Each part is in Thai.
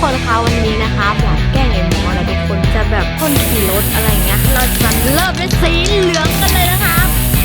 คนคะวันนี้นะคะอยากแกล้งไอ้หมอนะทุกคนจะแบบพ่นสีรถอะไรเงี้ยเราจะเริ่มเป็นสีเหลืองกันเลยนะคะ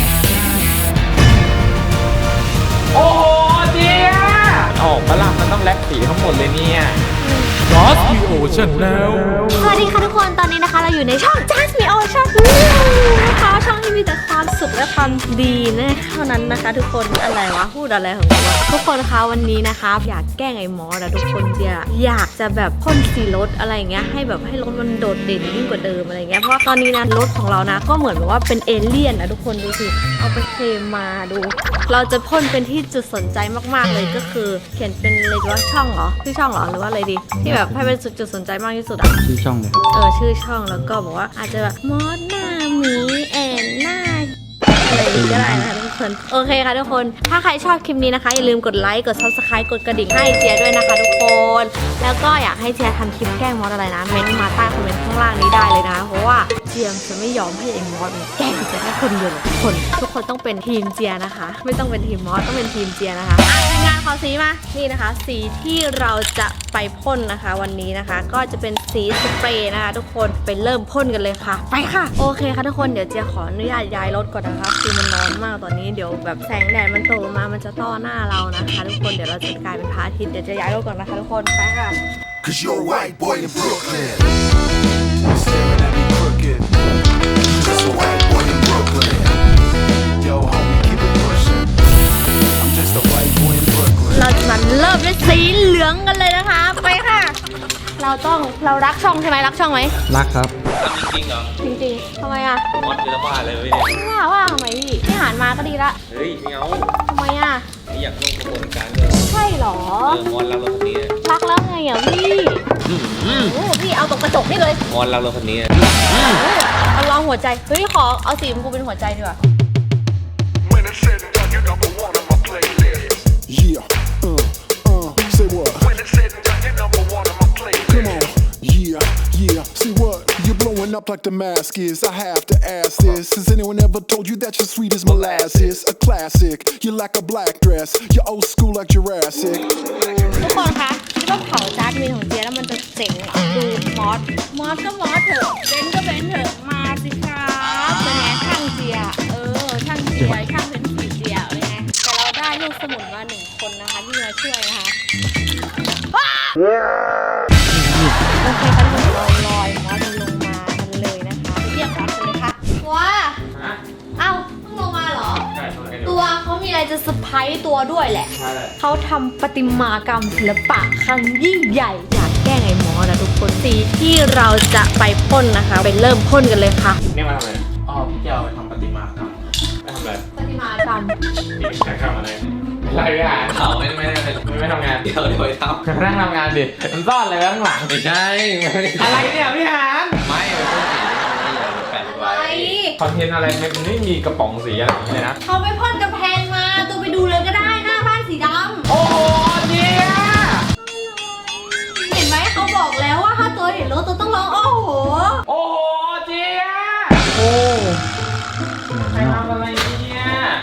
โอ้โหเจี๊ยออกมาละมันต้องแลกสีทั้งหมดเลยเนี่ย Just Me Ocean แล้วสวัสดีค่ะทุกคนตอนนี้นะคะเราอยู่ในช่อง Just Me Ocean นะคะช่องที่มีแต่ความสุขและความดีนะเท่านั้นนะคะทุกคนอะไรวะพูดอะไรของกูวะทุกคนคะวันนี้นะคะอยากแกล้งไอ้หมอนะทุกคนอยากจะแบบพ่นสีรถอะไรเงี้ยให้แบบให้รถมันโดดเด่นยิ่งกว่าเดิมอะไรเงี้ยเพราะว่าตอนนี้นะรถของเรานะก็เหมือนแบบว่าเป็นเอเลี่ยนนะทุกคนดูสิเอาไปเคลมมาดูเราจะพ่นเป็นที่จุดสนใจมากๆเลยก็คือเขียนเป็นอะไรว่าช่องเหรอชื่อช่องเหรอหรือว่าอะไรดีที่แบบให้เป็นจุดสนใจมากที่สุดอะชื่อช่องเลยครับชื่อช่องแล้วก็บอกว่าอาจจะแบบมอสหน้าหมีแอนหน้าอะไรก็ได้นะคะทุกคนโอเคค่ะทุกคนถ้าใครชอบคลิปนี้นะคะอย่าลืมกดไลค์กด Subscribe กดกระดิ่งให้เจียด้วยนะคะทุกคนแล้วก็อยากให้เจียทำคลิปแกล้งมอสอะไรนะเม้นต์มาใต้คอมเมนต์ข้างล่างนี้ได้เลยนะเพราะว่าเจียมจะไม่ยอมให้ไอ้มอสแกล้งเจียแค่คนเดียวทุกคนต้องเป็นทีมเจียนะคะไม่ต้องเป็นทีมมอสต้องเป็นทีมเจียนะคะทีมงานขอสีมานี่นะคะสีที่เราจะไปพ่นนะคะวันนี้นะคะก็จะเป็นสีสเปรย์นะคะทุกคนไปเริ่มพ่นกันเลยค่ะไปค่ะโอเคค่ะทุกคนเดี๋ยวเจียขออนุญาตย้ายรถก่อนนะคะคือมันร้อนมากตอนนี้เดี๋ยวแบบแสงแดดมันตกลงมามันจะต้อหน้าเรานะคะทุกคนเดี๋ยวเราจะกลายเป็นพระอาทิตย์เดี๋ยวจะย้ายรถก่อนนะคะทุกคนไปค่ะ Cause you're a white boy in Brooklyn. Staring at me crooked. Just a white boy in Brooklyn. Yo, homie, keep it pushing. I'm just a white boy in Brooklyn. เราจะมาเริ่มด้วยสีเหลืองกันเลยนะคะไปค่ะเรารักช่องใช่ไหมรักช่องไหมรักครับจริงเหรอจริงๆทำไมอะมอสจะละบ้าเลยเนี่ยว่าทำไมพี่หานมาก็ดีละเฮ้ยไม่เอาทำไมอะไม่อยากร่วมกระบวนการเลยใช่เหรอมอสรักเราคนนี้รักแล้วไงอ่ะพี่โอ้พี่เอาตกกระจกนี่เลยมอสรักเราคนนี้เอาลองหัวใจเฮ้ยขอเอาสีชมพูเป็นหัวใจดีกว่า When it's said and done, you're number one on my playlist. Yeah, say what? When it's said and done, you're number one on my playlist. Come on, yeah, see what? You're blowing up like the mask is. I have to ask this. Has anyone ever told you that you're sweet as molasses? A classic. You're like a black dress. You're old school like Jurassic. ทุกคนคะคิดว่าเผาจานมีของเจียแล้วมันจะเจ๋งเหรอดูมอสก็มอสเถอะเบนก็เบนเถอะมาสิครับเป็นไงช่างเจียช่างเจียช่างเป็นสีเจียเป็นไงแต่เราได้ลูกสมุนมา1 คนนะคะที่มาช่วยนะคะโอเคค่ะทุกคนเราลอยมอสลงมากันเลยนะคะเรียกรับกันเลยค่ะว้าเอ้าเพิ่งลงมาเหรอตัวเขามีอะไรจะเซอร์ไพรส์ตัวด้วยแหละเขาทำประติมากรรมศิลปะครั้งยิ่งใหญ่อยากแกล้งไอ้หมอนะทุกคนสีที่เราจะไปพ่นนะคะไปเริ่มพ่นกันเลยค่ะนี่มาทำอะไรอ๋อพี่เจ้าไปทำปฏิมากรรมไปทำอะไรประติมากรรมพี่จะทำอะไรไรวิหารเขาไม่ทำงานเดี๋ยวไปทำนั่งทำงานดิมันซ่อนอะไรไว้ข้างหลังไม่ใช่อะไรเนี่ยพี่หารไม่เป็นสีแปะไว้คอนเทนต์อะไรมันไม่มีกระป๋องสีอะไรเลยนะเขาไปพ่นกำแพงมาตัวไปดูเลยก็ได้หน้าบ้านสีดำโอ้โหเจี๊ยเห็นไหมเขาบอกแล้วว่าถ้าตัวเห็นรถตัวต้องร้องโอ้โหโอ้โหเจี๊ยโอ้ใครทำอะไรเนี่ย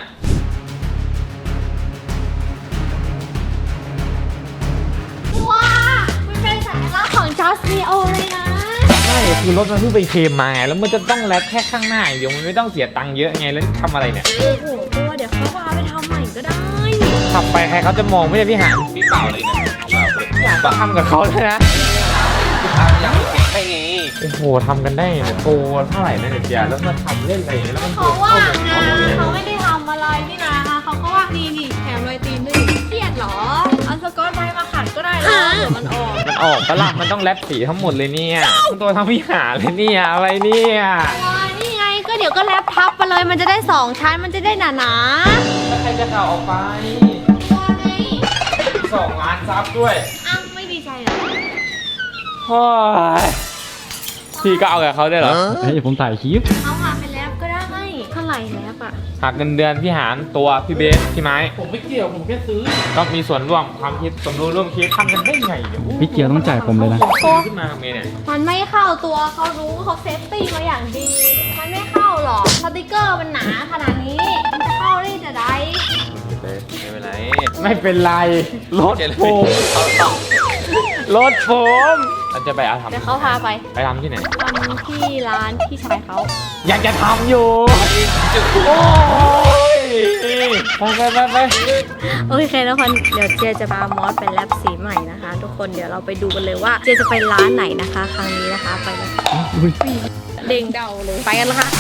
ว้ามันเป็นสัญลักษณ์ของ Just Me O เลยนะไม่คือรถมันเพิ่งไปเคลมมาไงแล้วมันจะต้องแลกแค่ข้างหน้าอย่างเดียวมันไม่ต้องเสียตังค์เยอะไงแล้วทำอะไรเนี่ยโอ้โหตัวเดี๋ยวเขาพาไปทำใหม่ก็ได้ขับไปใครเขาจะมองไม่ได้พี่หารพี่เปล่าเลยนะอยากทำกับเขาเลยนะอยากเก่งให้ไงโอ้โหทำกันได้เนี่ยโตเท่าไหร่นะเนี่ยเจียแล้วมาทำเล่นอะไรอย่างเงี้ยแล้วมันเขาว่างนะเขาไม่ได้ทำอะไรนี่นะเขาก็ว่างนี่แถมรอยตีนด้วยเครียดเหรอเอาสกอตไบรท์มาขัดก็ได้แล้วเดี๋ยวมันออกมันออกปะล่ะมันต้องแลบสีทั้งหมดเลยเนี่ยตัวทำพี่หาเลยเนี่ยอะไรเนี่ยนี่ไงก็เดี๋ยวก็แลปทับไปเลยมันจะได้2 ชั้นมันจะได้หนาแล้วใครจะข่าวออกไปๆตัวไง 2 ล้านซับด้วยอ้าวไม่ดีใจเหรอโอ้ยพี่ก็เอากับเขาได้เหรอเฮ้ยผมถ่ายคลิปเอามาเป็นแลปก็ได้เท่าไหร่แลปอ่ะหักเงินเดือนพี่หารตัวพี่เบสพี่ไม้ผมไม่เกี่ยวผมแค่ซื้อก็มีส่วนร่วมความคิดสมรู้ร่วมคิดทำกันได้ไงเนี่ยพี่เกียวต้องจ่ายผมเลยนะขึ้นมาทำไงเนี่ยมันไม่เข้าตัวเขารู้เขาเซฟตี้มาอย่างดี มันไม่เข้าหรอกสติกเกอร์มันหนาขนาดนี้มันจะเข้าได้จะได้ไม่เป็นไรไม่เป็นไรรถโฟมรถผมเราจะไปเอาเดี๋ยวทำเขาพาไปไปทำที่ไหนทำที่ร้านพี่ชายเขาอยากจะทำอยู่โอ้ยไปโอเคทุกคนเดี๋ยวเจจะพามอสไปแลบสีใหม่นะคะ ทุกคนเดี๋ยวเราไปดูกันเลยว่าเจจะไปร้านไหนนะคะ ครั้งนี้นะคะไปเลยเด้งเดาเลยไปกันนะคะ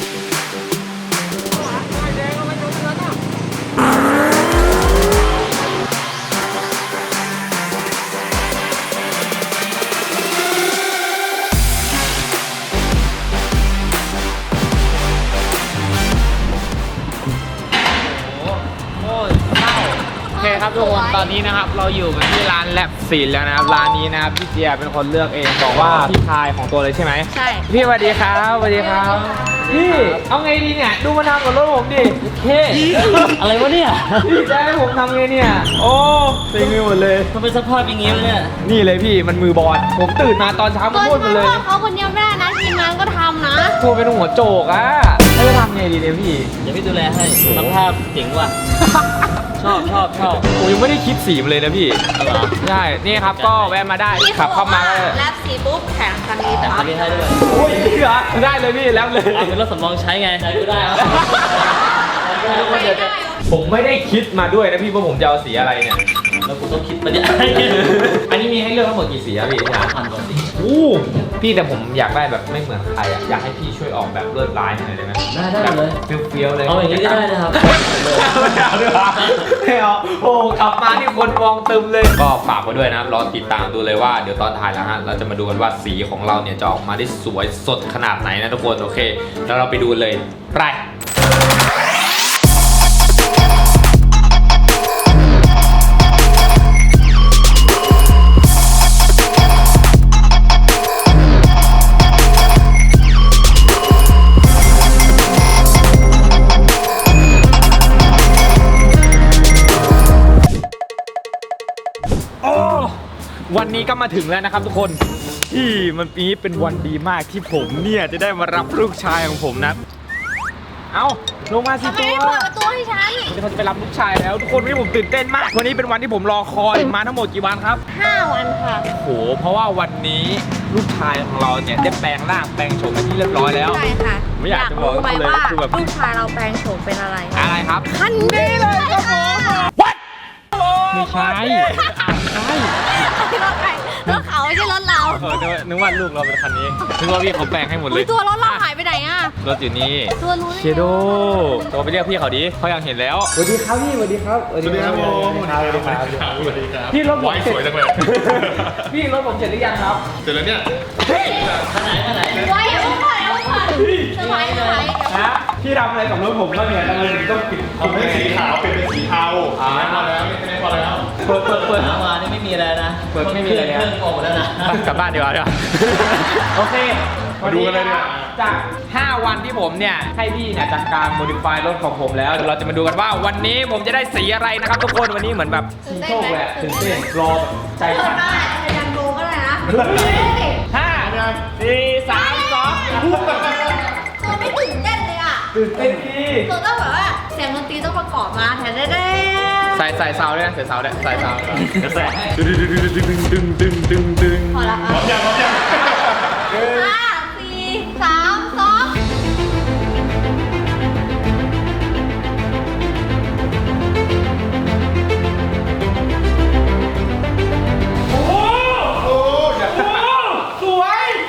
โอเคครับทุกคนตอนนี้นะครับเราอยู่กันที่ร้านแลบศิลป์แล้วนะครับร้านนี้นะครับพี่เจียเป็นคนเลือกเองบอกว่าพี่ชายของตัวเลยใช่ไหมใช่พี่สวัสดีครับสวัสดีครับพี่เอาไงดีเนี่ยดูมาทำกับรถผมดิเท่อะไรวะเนี่ยพี่จะให้ผมทำไงเนี่ยโอ้เต็มไปหมดเลยมันเป็นสภาพอย่างงี้เลยเนี่ยนี่เลยพี่มันมือบอลผมตื่นมาตอนเช้ามาพูดหมดเลยเขาคนเดียวไม่ได้นะทีมงานก็ทำนะตัวเป็นหัวโจกอะให้ไปทำไงดีเนี่ยพี่เดี๋ยวพี่ดูแลให้สภาพเจ๋งว่ะ ชอบผมยังไม่ได้คิดสีมันเลยนะพี่เอาเหรอใช่นี่ครับก็แวะมาได้พี่ขับเข้ามาก็แลบสีปุ๊บแข่งคันนี้แต่ปั๊คับนนี้ให้ด้วยโอ้ยจริงเหรอได้เลยพี่แล้วเลยเอาเป็นรถสำรองใช้ไงใช้ก็ได้ครับผมไม่ได้คิดมาด้วยนะพี่ว่าผมจะเอาสีอะไรเนี่ยแล้วกูต้องคิดมาเนี่ยอันนี้มีให้เลือกทั้งหมดกี่สีอะพี่ที่ร้านพันกว่าสีอู้พี่แต่ผมอยากได้แบบไม่เหมือนใครอะอยากให้พี่ช่วยออกแบบลวดลายให้หน่อยได้ไหมได้เลยเฟี้ยวๆเลยเอาอย่างนี้ก็ได้นะครับไม่เอาด้วยเหรอไม่เอาโอ้กลับมาที่คนมองตึมเลย ก็ฝากไว้ด้วยนะครับรอติดตามดูเลยว่าเดี๋ยวตอนถ่ายแล้วฮะเราจะมาดูกันว่าสีของเราเนี่ยจะออกมาได้สวยสดขนาดไหนนะทุกคนโอเคแล้วเราไปดูเลยไปวันนี้ก็มาถึงแล้วนะครับทุกคนที่มันปีนี้เป็นวันดีมากที่ผมเนี่ยจะได้มารับลูกชายของผมนะเอาลงมาสิทำไมตัวไม่เปิดประตูให้ฉันวันนี้เขาจะไปรับลูกชายแล้วทุกคนวันนี้ผมตื่นเต้นมากวันนี้เป็นวันที่ผมรอคอยมาทั้งหมดกี่วันครับ 5 วันค่ะโอ้โหเพราะว่าวันนี้ลูกชายของเราเนี่ยได้แปลงร่างแปลงโฉมเป็นที่เรียบร้อยแล้วใช่ค่ะไม่อยากจะบอกรู้ไหมเลยว่าคือแบบลูกชายเราแปลงโฉมเป็นอะไรอะไรครับคันนี้เลยค่ะ What ไม่ใช่รถใครรถเขาไม่ใช่รถเรานึกว่าลูกเราเป็นคันนี้นึกว่าพี่เขาแปลงให้หมดเลอุ้ยยตัวรถเราหายไปไหนอ่ะรถอยู่นี่ตัวรู้ได้ไงเชโดตัวไปเรียกพี่เขาดิเขาอยากเห็นแล้วสวัสดีครับพี่สวัสดีครับสวัสดีครับผมสวัสดีครับสวัสดีครับพี่รถผมเสร็จสวยจังเลยพี่รถผมเสร็จหรือยังครับเสร็จแล้วเนี่ยไว้เอาก่อนเอาก่อนสบายสบายนะพี่ทำอะไรกับรถผมแล้วเนี่ยทำไมถึงต้องปิดผมไม่สีขาวเป็นสีเทาไม่พอแล้วไม่พอแล้วเปิดหามานี่ไม่มีอะไรนะเปิดไม่มีอะไรเครื่องออกหมดแล้วนะกลับบ้านดีกว่าเดี๋ยวโอเคมาดูกันเลยเนี่ยจาก 5 วันที่ผมเนี่ยให้พี่เนี่ยจัดการโมดิฟายรถของผมแล้วเดี๋ยวเราจะมาดูกันว่าวันนี้ผมจะได้สีอะไรนะครับทุกคนวันนี้เหมือนแบบสีโชคเลยอะตื่นเต้นรอแบบใจเปิดสั่นมาจะยังดูก็ได้นะ 5 4 3 2 ตัวไม่ตื่นเต้นเลยอ่ะตื่นเต้นพี่ตัวต้องแบบว่าเสียงดนตรีต้องประกอบมาแทนได้ใส่ซาวด้วยนะใส่ซาวด้วยใส่ซาวกระแสพอแล้วค่ะพร้อมยัง 5 4 3 2 สวย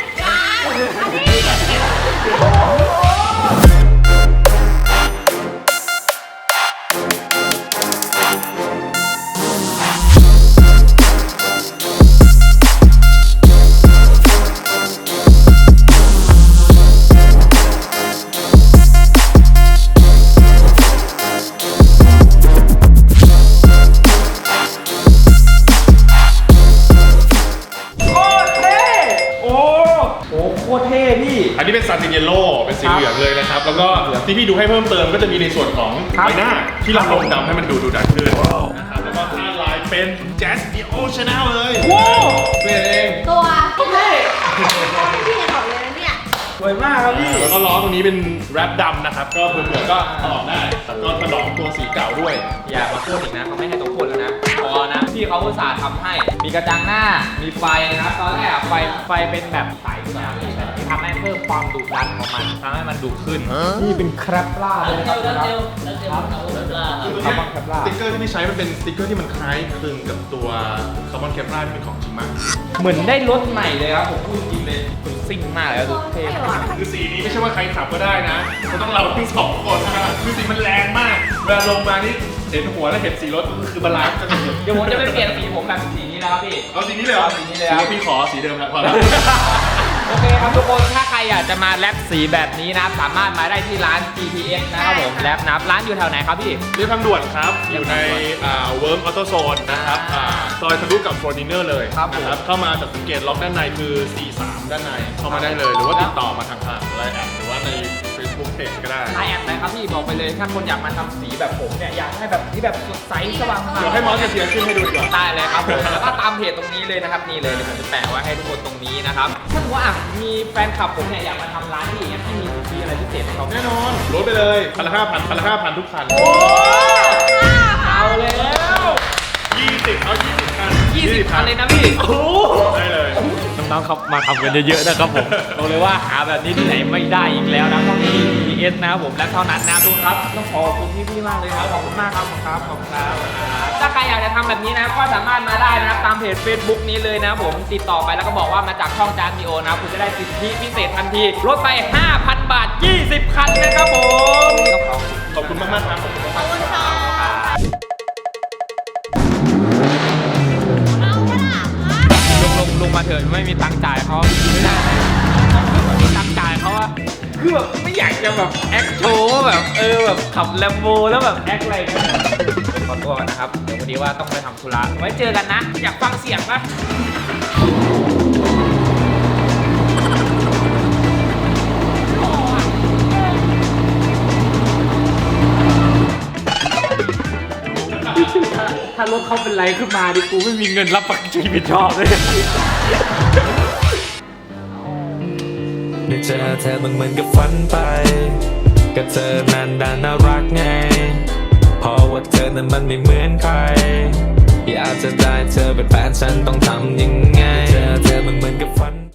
โคตรเท่โอ้โคตรเท่พี่อันนี้เป็นซันติเยลโล่เป็นสีเหลืองเลยนะครับ แล้วก็ที่พี่ดูให้เพิ่มเติมก็จะมีในส่วนของครับใบหน้าที่เราลงดำให้มันดูดันขึ้นนะครับแล้วก็ท่าลายเป็นแจ๊สดิโอชาแนลเลยโว้เปลี่ยนเองตัวเท่พี่จะบอกเลยนะเนี่ยสวยมากครับพี่แล้วก็ล้อตรงนี้เป็นแรปดำนะครับ ก็เผื่อๆก็ถลอกได้แล้วก็ถลอกตัวสีเก่าด้วยอย่ามาพูดอีกนะเขาไม่ให้ตัวพูดแล้วนะพอนะพี่เขาอุตส่าห์ทำให้มีกระจังหน้ามีไฟนะครับตอนแรกอะไฟเป็นแบบใสนะครับที่ทำให้เพิ่มความดุดันของมันทำให้มันดุขึ้นนี่เป็นแคปล่าเลยนะครับแล้วเจลคาร์บอนล่าคาร์บอนแคปล่าสติ๊กเกอร์ที่พี่ใช้มันเป็นสติ๊กเกอร์ที่มันคล้ายคลึงกับตัวคาร์บอนแคปราที่เป็นของจริงมากเหมือนได้รถใหม่เลยครับผมพูดจริงเลยซิ่งมากเลยครับดูเท่มากคือสีนี้ไม่ใช่ว่าใครขับก็ได้นะมันต้องเราทั้งสองคนนะคือสีมันแรงมากเวลาลงมานี่เห็นหัวแล้วเห็นสีรถก็คือบาลานซ์กันสุดเดี๋ยวผมจะไปเปลี่ยนสีผมแบบสีนี้แล้วครับพี่เอาสีนี้เลยเหรอเอาสีนี้เลยครับพี่ขอสีเดิมแล้วพอแล้วโอเคครับทุกคนถ้าใครอยากจะมาแรปสีแบบนี้นะครับสามารถมาได้ที่ร้าน GPS นะครับผมแรปนะครับร้านอยู่แถวไหนครับพี่เรียบทางด่วนครับ อยู่ในเวิร์กออโต้โซนนะครับซอยทะลุกับโฟร์ดินเนอร์เลยครับผมนะเข้ามาจากสังเกตล็อกด้านในคือ 43 ด้านในเข้ามาได้เลย หรือว่าติดต่อมาทางไลน์แอดหรือว่าใน Facebook Page ก็ได้ไลน์แอดไหนครับพี่บอกไปเลยถ้าคนอยากมาทำสีแบบผมเนี่ยอยากให้แบบที่แบบสดใสสว่างเดี๋ยวให้มอสกับเทียร์ขึ้นให้ดูดีกว่าได้เลยครับผมแล้วก็ตามเพจตรงนี้เลยนะครับนี่เลยเดี๋ยวผมจะแปะไว้ให้ทุกคนตรงนี้นะครับถ้าสมมติว่ามีแฟนคลับผมเนี่ยอยากมาทำร้านที่อย่างเงี้ยที่มีอะไรพิเศษให้เขาแน่นอนลดไปเลย1,500ทุกคันเอาแล้ว 20เอา20คัน 20คันเลยนะพี่โอ้ได้เลยน้องๆครับมาทำกันเยอะๆนะครับผมบอกเลยว่าหาแบบนี้ที่ไหนไม่ได้อีกแล้วนะต้องมี GPS นะครับผมและเท่านั้นนะทุกครับต้องขอบคุณพี่ๆมากเลยครับขอบคุณมากครับขอบคุณครับถ้าใครอยากจะทำแบบนี้นะก็สามารถมาได้นะครับตามเพจ Facebook นี้เลยนะผมติดต่อไปแล้วก็บอกว่ามาจากช่องจานมีโอนะคุณจะได้สิทธิพิเศษทันทีลดไป 5,000 บาท 20 คันนะครับผมขอบคุณมากๆครับขอบคุณมากขอบคุณค่ะลงมาเถิดไม่มีตังค์จ่ายเขาไม่ได้ไม่มีตังค์จ่ายเขาอะคือแบบไม่อยากจะแบบแอคโชว์ว่าแบบแบบขับแลมโบแล้วแบบแอคอะไรกันขอตัวก่อนนะครับเดี๋ยววันนี้ว่าต้องไปทำธุระไว้เจอกันนะ อยากฟังเสียงปะถ้ารถเขาเป็นไรขึ้นมาดิกูไม่มีเงินรับประกันชีวิตชอบเลยได้เจอเธอมันเหมือนกับฝันไปกับเธอนั้นน่ารักไงเพราะว่าเธอนั้นมันไม่เหมือนใครอยากจะได้เธอเป็นแฟนฉันต้องทำยังไงเจอเธอมันเหมือนกับฝัน